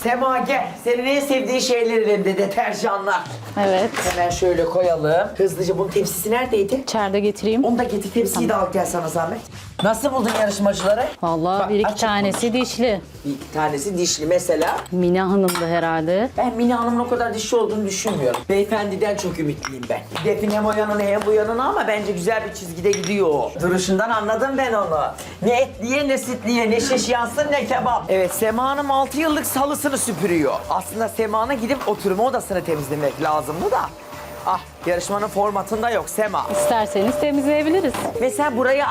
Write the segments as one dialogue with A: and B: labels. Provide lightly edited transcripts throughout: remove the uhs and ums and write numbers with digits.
A: Sema gel. Senin en sevdiğin şeyler elimde deterjanlar.
B: Evet.
A: Hemen şöyle koyalım. Hızlıca bunun tepsisi neredeydi?
B: İçeride getireyim.
A: Onu da getir, tepsiyi de al gel sana zahmet. Nasıl buldun yarışmacıları?
B: Vallahi
A: Bak,
B: bir iki
A: açık
B: tanesi dişli.
A: Bir iki tanesi dişli mesela.
B: Mine Hanım da herhalde.
A: Ben Mine Hanım'ın o kadar dişli olduğunu düşünmüyorum. Beyefendiden çok ümitliyim ben. Defin hem o yanına hem bu yanına ama bence güzel bir çizgide gidiyor. Duruşundan anladım ben onu. Ne etliye ne sütliye ne şiş yansın ne kebap. Evet Sema Hanım 6 yıllık salısını süpürüyor. Aslında Sema'na gidip oturma odasını temizlemek lazımdı da. Ah yarışmanın formatında yok Sema.
B: İsterseniz temizleyebiliriz.
A: Mesela burayı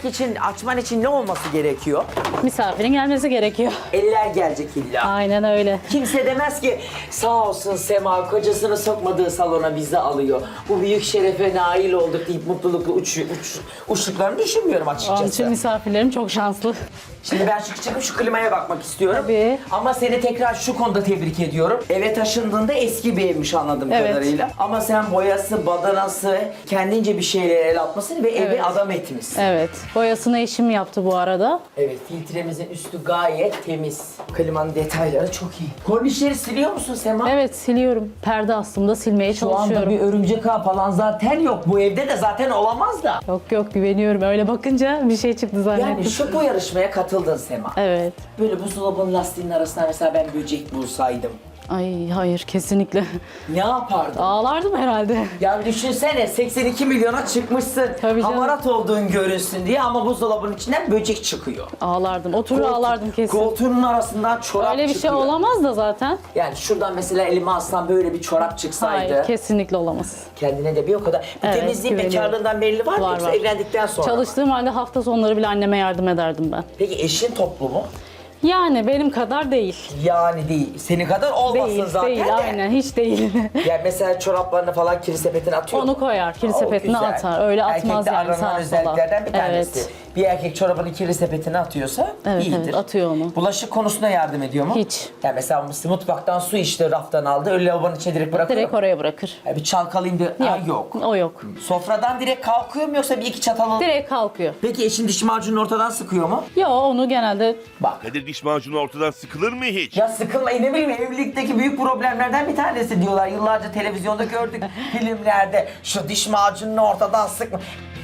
A: açman için ne olması gerekiyor?
B: Misafirin gelmesi gerekiyor.
A: Eller gelecek illa.
B: Aynen öyle.
A: Kimse demez ki sağ olsun Sema kocasını sokmadığı salona bizi alıyor. Bu büyük şerefe nail olduk deyip mutlulukla uçtuklarını düşünmüyorum
B: Onun için
A: açıkçası.
B: misafirlerim çok şanslı.
A: Şimdi ben çıkıp şu klimaya bakmak istiyorum.
B: Tabii.
A: Ama seni tekrar şu konuda tebrik ediyorum. Eve taşındığında eski bir evmiş anladığım
B: Evet.
A: kadarıyla. Ama sen boyası, badanası, kendince bir şeylere el atmasını ve evi
B: Evet.
A: adam etmişsin.
B: Evet. Boyasını eşim yaptı bu arada.
A: Evet, filtremizin üstü gayet temiz. Klimanın detayları çok iyi. Kornişleri siliyor musun Sema?
B: Evet siliyorum. Perde aslında silmeye
A: Şu anda
B: çalışıyorum.
A: bir örümcek ağ falan zaten yok. Bu evde de zaten olamaz da.
B: Yok güveniyorum. Öyle bakınca bir şey çıktı zannettim.
A: Yani şu bu yarışmaya katıldın Sema.
B: Evet.
A: Böyle buzdolabının lastiğinin arasına mesela ben böcek bulsaydım.
B: Ay hayır kesinlikle.
A: Ne yapardın?
B: Ağlardım herhalde.
A: Ya düşünsene 82 milyona çıkmışsın.
B: Tabii canım.
A: Hamarat olduğun görünsün diye ama buzdolabının içinden böcek çıkıyor.
B: Ağlardım. Oturur ağlardım kesin.
A: Koltuğunun arasından çorap
B: Öyle bir
A: çıkıyor.
B: şey olamaz da zaten.
A: Yani şuradan mesela elime alsam böyle bir çorap çıksaydı.
B: Hayır kesinlikle olamaz.
A: Kendine de bir o kadar. Bu
B: Evet,
A: temizliğin
B: güveniyorum.
A: bekarlığından belli var mı?
B: Var,
A: Yoksa
B: var.
A: evlendikten sonra mı?
B: Çalıştığım halde hafta sonları bile anneme yardım ederdim ben.
A: Peki eşin toplu mu?
B: Yani benim kadar değil.
A: Yani değil. Senin kadar olmasın
B: Değil,
A: zaten
B: değil
A: de.
B: aynen hiç değil.
A: Yani mesela çoraplarını falan kiri sepetine atıyor
B: Onu
A: mu?
B: koyar, kiri
A: O
B: sepetine
A: güzel.
B: atar. Öyle atmaz
A: Erkekte
B: yani
A: aranan
B: sağa sola.
A: özelliklerden bir tanesi.
B: Evet.
A: Bir erkek çorabını kiri sepetine atıyorsa
B: Evet,
A: iyidir.
B: evet, atıyor onu.
A: Bulaşık konusunda yardım ediyor mu?
B: Hiç.
A: Yani mesela mutfaktan su içti, raftan aldı, öyle lavabonun içine direkt bırakıyor
B: Direkt
A: mu?
B: oraya bırakır.
A: Yani bir çalkalayayım da yok.
B: O yok.
A: Sofradan direkt kalkıyor mu yoksa bir iki çatal alıp...
B: Direkt kalkıyor.
A: Peki eşin diş macununu ortadan sıkıyor mu?
B: Yo onu genelde
A: Bak.
C: Kadir diş macunu ortadan sıkılır mı hiç?
A: Ya sıkılma, ne bileyim evlilikteki büyük problemlerden bir tanesi diyorlar. Yıllarca televizyonda gördük filmlerde. Şu diş macununu ortadan sıkma.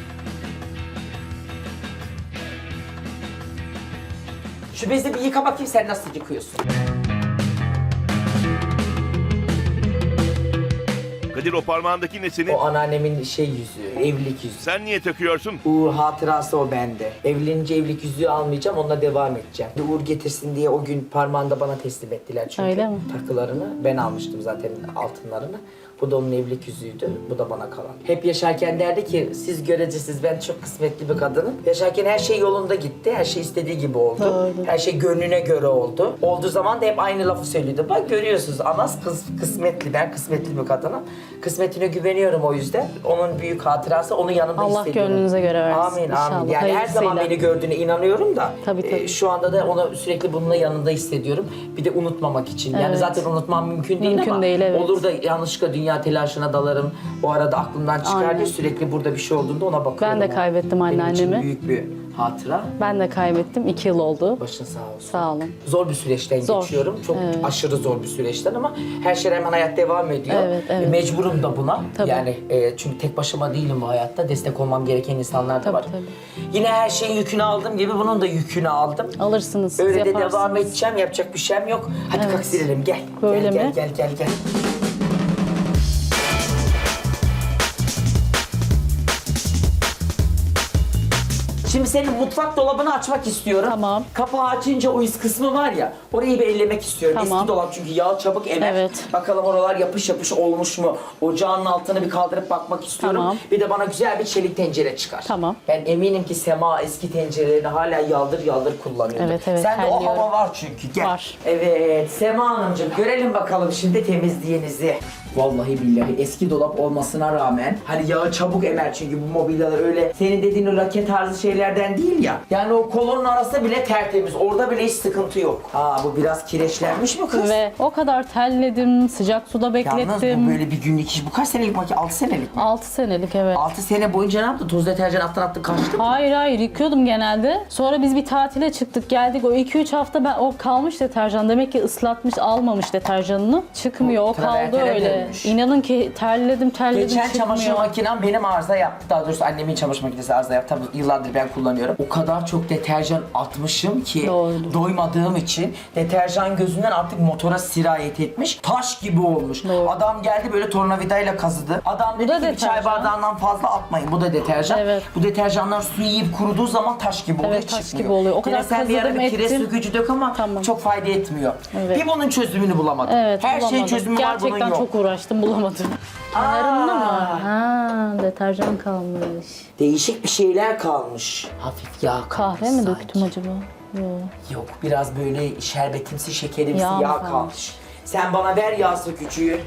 A: Şu bezi bir yıka bakayım sen nasıl yıkıyorsun.
C: Kadir o parmağındaki ne senin?
A: O anneannemin yüzüğü, evlilik yüzüğü.
C: Sen niye takıyorsun?
A: Uğur hatırası o bende. Evlenince evlilik yüzüğü almayacağım, onunla devam edeceğim. Uğur getirsin diye o gün parmağında bana teslim ettiler çünkü.
B: Öyle mi?
A: Takılarını ben almıştım zaten altınlarını. Bu da onun evlilik yüzüğüydü, bu da bana kalan. Hep yaşarken derdi ki, siz görecesiz, ben çok kısmetli bir kadınım. Yaşarken her şey yolunda gitti, her şey istediği gibi oldu.
B: Doğru.
A: Her şey gönlüne göre oldu. Olduğu zaman da hep aynı lafı söylüyordu. Bak görüyorsunuz, Anas kısmetli, ben kısmetli bir kadınım. Kısmetine güveniyorum o yüzden. Onun büyük hatırası, onun yanında
B: Allah
A: hissediyorum.
B: gönlünüze göre versin.
A: Amin,
B: İnşallah,
A: amin. Yani her zaman
B: hayırlısıyla.
A: beni gördüğüne inanıyorum da.
B: Tabii, tabii.
A: Şu anda da onu sürekli bununla yanında hissediyorum. Bir de unutmamak için. Yani
B: Evet.
A: zaten unutmam mümkün değil
B: Mümkün
A: ama
B: değil, evet.
A: olur da yanlışlıkla dünya telaşına dalarım. O arada aklımdan çıkar
B: Aynen.
A: diye sürekli burada bir şey olduğunda ona bakıyorum.
B: Ben de kaybettim
A: Benim için
B: anneannemi.
A: büyük bir hatıra.
B: Ben de kaybettim. 2 yıl oldu.
A: Başın sağ olsun.
B: Sağ olun.
A: Zor bir süreçten
B: Zor.
A: geçiyorum. Çok
B: Evet.
A: aşırı zor bir süreçten ama her şey hemen hayat devam ediyor.
B: Evet, evet.
A: Mecburum da buna.
B: Tabii.
A: Yani çünkü tek başıma değilim bu hayatta. Destek olmam gereken insanlar da
B: Tabii,
A: var.
B: tabii.
A: Yine her şeyin yükünü aldığım gibi bunun da yükünü aldım.
B: Alırsınız siz,
A: Öyle de
B: yaparsınız.
A: devam edeceğim. Yapacak bir şeyim yok. Hadi
B: Evet.
A: kalk silelim gel.
B: Böyle
A: gel,
B: mi?
A: Gel. Şimdi senin mutfak dolabını açmak istiyorum.
B: Tamam.
A: Kapağı açınca o üst kısmı var ya, orayı bir ellemek istiyorum.
B: Tamam.
A: Eski dolap çünkü yağ çabuk emer.
B: Evet.
A: Bakalım oralar yapış yapış olmuş mu? Ocağın altını bir kaldırıp bakmak istiyorum.
B: Tamam.
A: Bir de bana güzel bir çelik tencere çıkar.
B: Tamam.
A: Ben eminim ki Sema eski tencerelerini hala yaldır yaldır kullanıyordu.
B: Evet, evet,
A: Sende o
B: terliyorum.
A: hava var çünkü. Gel.
B: Var.
A: Evet Sema Hanımcığım görelim bakalım şimdi temizliğinizi. Vallahi billahi eski dolap olmasına rağmen hani yağı çabuk emer çünkü bu mobilyalar öyle senin dediğin o lake tarzı şeyler eskilerden değil ya. Yani o kolonun arası bile tertemiz. Orada bile hiç sıkıntı yok. Aa bu biraz kireçlenmiş mi kız?
B: Ve o kadar terledim, sıcak suda
A: Yalnız bu
B: beklettim.
A: böyle bir günlük iş. Bu kaç senelik makine? 6 senelik mi?
B: 6 senelik evet.
A: 6 sene boyunca ne yaptın? Toz deterjan attın kaçtı mı?
B: Hayır yıkıyordum genelde. Sonra biz bir tatile çıktık geldik. O 2-3 hafta ben o kalmış deterjan. Demek ki ıslatmış almamış deterjanını. Çıkmıyor o kaldı
A: travertene
B: öyle.
A: dönmüş.
B: İnanın ki terledim
A: Geçen
B: çıkmıyor.
A: çamaşır makinem benim arıza yaptı. Daha doğrusu annemin çamaşır makinesi arıza yaptı. Tabii yıllardır ben kullanıyorum. O kadar çok deterjan atmışım ki
B: Doğrudur.
A: doymadığım için deterjan gözünden artık motora sirayet etmiş. Taş gibi olmuş.
B: Doğru.
A: Adam geldi böyle tornavidayla kazıdı. Adam dedi
B: da
A: ki bir çay
B: deterjan.
A: bardağından fazla atmayın. Bu da deterjan.
B: Evet.
A: Bu deterjanlar suyu yiyip kuruduğu zaman taş gibi oluyor.
B: Evet, taş
A: çıkmıyor.
B: gibi oluyor. O
A: Gene
B: kadar
A: sen bir ara
B: kazıdım,
A: bir kireç
B: ettim.
A: sökücü dök ama
B: Tamam.
A: çok fayda etmiyor.
B: Evet.
A: Bir bunun çözümünü bulamadım.
B: Evet
A: Her şeyin
B: bulamadım.
A: çözümü var bunun
B: Gerçekten
A: yok.
B: çok uğraştım bulamadım. Kenarında mı? Ha, deterjan kalmış.
A: Değişik bir şeyler kalmış. Hafif yağ kalmış
B: Kahve mi
A: sanki.
B: döktüm acaba? Yok.
A: Yok biraz böyle şerbetimsi şekerimsi
B: Yağ
A: yağ,
B: mı kalmış?
A: kalmış. Sen bana ver yağ sökücüyü.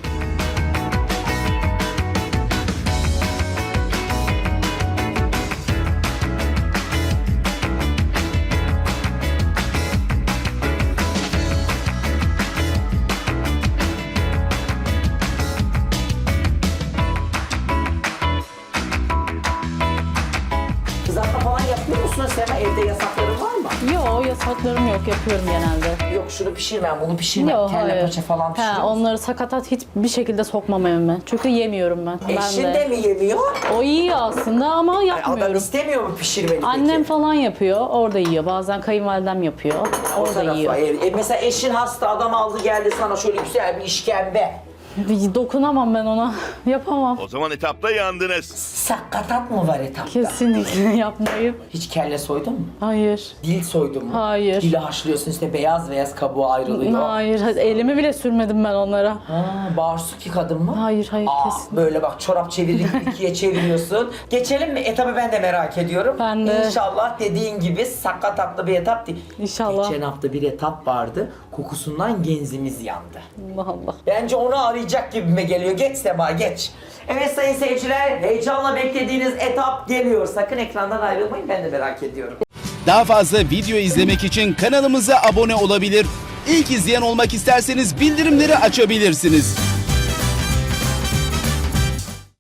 A: Kızartma falan yapıyor musun Sema? Evde yasakların var mı?
B: Yok yasaklarım yok yapıyorum genelde.
A: Yok şunu pişirmem, bunu pişirmem.
B: Yok
A: Kelle
B: hayır.
A: paça falan pişiriyor musun?
B: Onları sakatat hiçbir şekilde sokmam evime. Çünkü yemiyorum ben.
A: Eşin
B: ben
A: de mi yemiyor?
B: O iyi aslında ama
A: Adam
B: yapmıyorum.
A: istemiyor mu pişirmeni
B: Annem
A: peki?
B: falan yapıyor, orada yiyor. Bazen kayınvalidem yapıyor,
A: O
B: orada
A: tarafa,
B: yiyor.
A: mesela eşin hasta, adam aldı geldi sana şöyle güzel bir işkembe.
B: Dokunamam ben ona, yapamam.
C: O zaman etapta yandınız.
A: Sakatat mı var etapta?
B: Kesinlikle yapmayayım.
A: Hiç kelle soydun mu?
B: Hayır.
A: Dil soydun mu?
B: Hayır.
A: Dili haşlıyorsun işte beyaz beyaz kabuğu ayrılıyor.
B: Hayır, elimi bile sürmedim ben onlara.
A: Ha, bağırsak yıkadın mı?
B: Hayır,
A: Aa,
B: kesin.
A: böyle bak çorap çevirir gibi ikiye çeviriyorsun. Geçelim mi? Etabı ben de merak ediyorum.
B: Ben de.
A: İnşallah dediğin gibi sakatatlı bir etap değil.
B: İnşallah.
A: Geçen hafta bir etap vardı. Kokusundan genzimiz yandı.
B: Allah Allah.
A: Bence onu arayacak gibime geliyor. Geç Sema geç. Evet sayın seyirciler, heyecanla beklediğiniz etap geliyor. Sakın ekrandan ayrılmayın, ben de merak ediyorum.
D: Daha fazla video izlemek için kanalımıza abone olabilir. İlk izleyen olmak isterseniz bildirimleri açabilirsiniz.